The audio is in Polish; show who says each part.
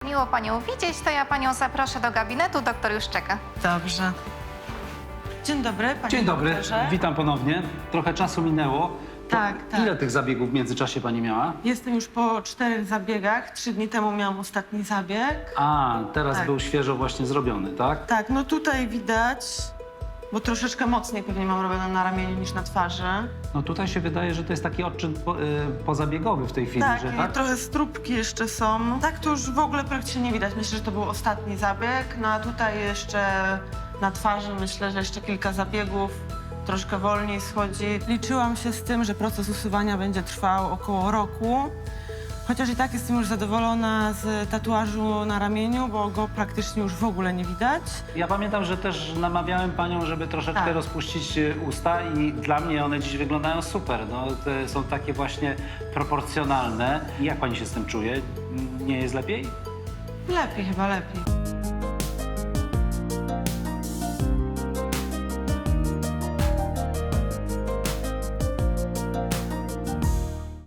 Speaker 1: miło panią widzieć, to ja panią zaproszę do gabinetu, doktor już czeka.
Speaker 2: Dobrze. Dzień dobry, panie
Speaker 3: Dzień dobry,
Speaker 2: doktorze.
Speaker 3: witam ponownie. Trochę czasu minęło.
Speaker 2: Tak, tak.
Speaker 3: Ile tych zabiegów w międzyczasie pani miała?
Speaker 2: Jestem już po 4 zabiegach. 3 dni temu miałam ostatni zabieg.
Speaker 3: A, teraz
Speaker 2: Tak.
Speaker 3: był świeżo właśnie zrobiony, tak?
Speaker 2: Tak, no tutaj widać, bo troszeczkę mocniej pewnie mam robione na ramieniu niż na twarzy.
Speaker 3: No tutaj się wydaje, że to jest taki odczyn pozabiegowy w tej chwili,
Speaker 2: Tak,
Speaker 3: że
Speaker 2: i
Speaker 3: tak?
Speaker 2: trochę stróbki jeszcze są. Tak to już w ogóle praktycznie nie widać. Myślę, że to był ostatni zabieg. No a tutaj jeszcze na twarzy myślę, że jeszcze kilka zabiegów. Troszkę wolniej schodzi. Liczyłam się z tym, że proces usuwania będzie trwał około roku. Chociaż i tak jestem już zadowolona z tatuażu na ramieniu, bo go praktycznie już w ogóle nie widać.
Speaker 3: Ja pamiętam, że też namawiałem panią, żeby troszeczkę
Speaker 2: Tak.
Speaker 3: rozpuścić usta i dla mnie one dziś wyglądają super. No, te są takie właśnie proporcjonalne. Jak pani się z tym czuje? Nie jest lepiej?
Speaker 2: Lepiej, chyba lepiej.